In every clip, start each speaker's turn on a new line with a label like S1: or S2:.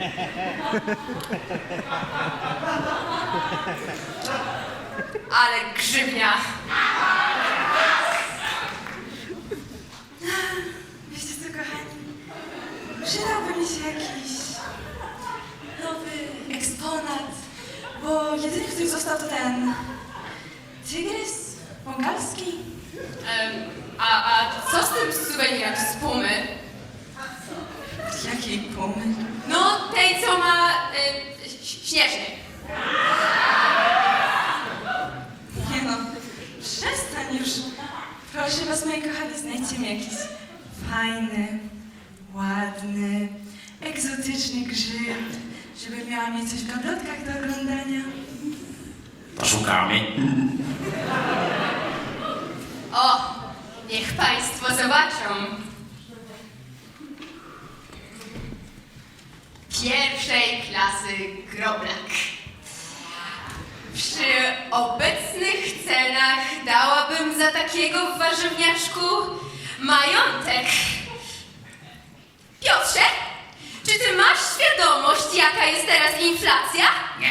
S1: Ale grzywnia.
S2: Wiecie co, kochani? Przydałby mi się jakiś nowy eksponat, bo jedyny, który został, to ten tygrys bengalski.
S1: A co z tym suwenirem z Pumy?
S2: Jakiej pumy?
S1: No, tej, co ma śnieżny.
S2: Nie no, przestań już. Proszę was, moje kochane, znajdźcie mi jakiś fajny, ładny, egzotyczny grzyb, żeby miała mieć coś w gablotkach do oglądania.
S3: Poszukamy.
S1: O, niech państwo zobaczą. Pierwszej klasy groblak. Przy obecnych cenach dałabym za takiego w warzywniaczku majątek. Piotrze, czy ty masz świadomość, jaka jest teraz inflacja?
S3: Nie.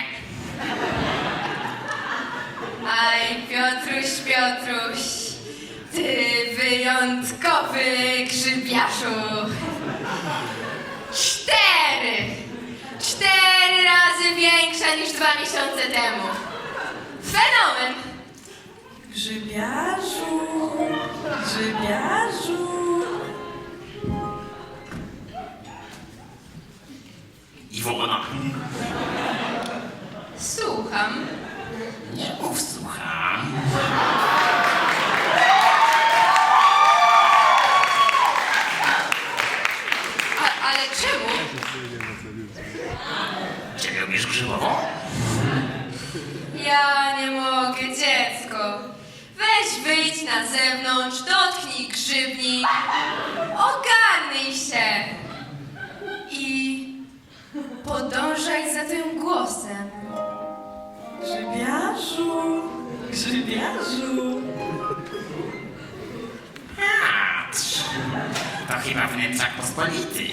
S1: Aj, Piotruś, Piotruś, ty wyjątkowy grzybiarzu. 4 razy większa niż 2 miesiące temu. Fenomen.
S2: Grzybiarzu, grzybiarzu.
S3: Iwona.
S1: Słucham.
S3: Nie mów, słucham.
S1: Ale czemu?
S3: Czy lubisz grzybową?
S1: Ja nie mogę, dziecko. Weź wyjdź na zewnątrz, dotknij grzybni, ogarnij się i podążaj za tym głosem.
S2: Grzybiarzu, grzybiarzu.
S3: Patrz. To chyba wnętrzak pospolity.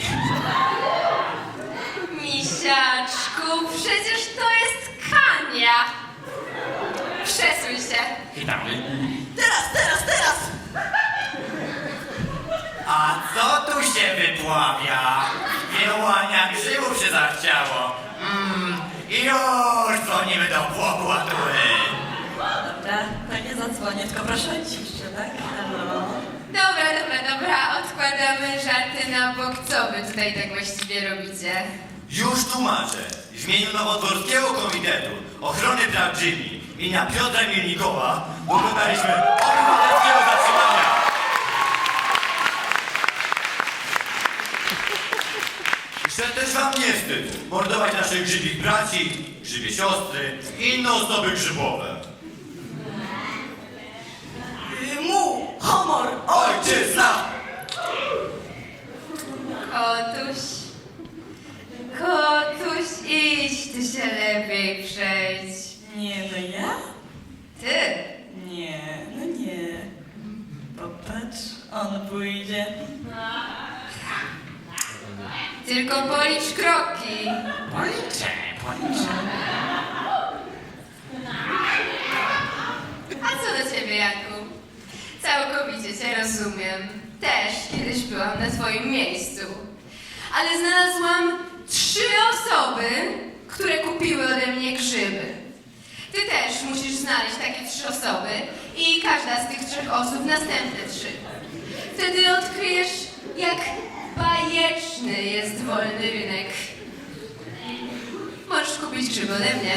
S1: Misiaczku, przecież to jest Kania. Przesuń się.
S3: Witamy.
S2: Teraz!
S4: A co tu się wypławia? Kiełania grzybów się zachciało. I już dzwonimy do prokuratury.
S2: Dobra, to nie zadzwonię, tylko proszę o ciszę, tak? Halo?
S1: Dobra, odkładamy żarty na bok. Co wy tutaj tak właściwie robicie?
S4: Już tłumaczę. W imieniu Nowodworskiego Komitetu Ochrony Praw Grzybi imienia Piotra Mielnikowa dokonaliśmy obywatelskiego zatrzymania. Chcę też wam nie wstyd mordować naszych grzybich braci, grzybie siostry i inne osoby grzybowe.
S2: Mu, homor,
S4: Ojczyzna!
S1: Kotuś, idź, ty się lepiej przejdź.
S2: Nie, no ja?
S1: Ty?
S2: Nie, no nie. Popatrz, on pójdzie.
S1: Tylko policz kroki.
S3: Policzę.
S1: A co do ciebie, Janku? Całkowicie cię rozumiem. Też kiedyś byłam na twoim miejscu. Ale znalazłam 3 osoby, które kupiły ode mnie grzyby. Ty też musisz znaleźć takie 3 osoby i każda z tych 3 osób następne 3. Wtedy odkryjesz, jak bajeczny jest wolny rynek. Możesz kupić grzyby ode mnie.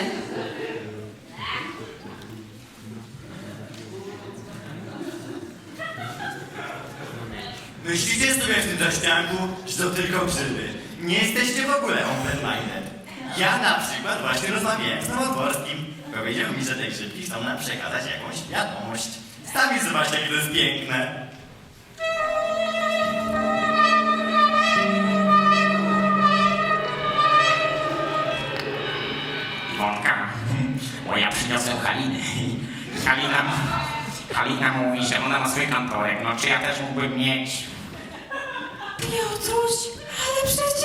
S4: Myślicie sobie w tym zaścianku, że to tylko grzyby. Nie jesteście w ogóle open-minded. Ja na przykład właśnie rozmawiałem z Nowodworskim. Powiedział mi, że te grzybki chcą nam przekazać jakąś wiadomość. Sami zobaczcie, jakie to jest piękne.
S3: Iwonka. Bo ja przyniosłem Halinę. Halina mówi, że ona ma swój kantorek. No czy ja też mógłbym mieć?
S2: Piotruś, ale przecież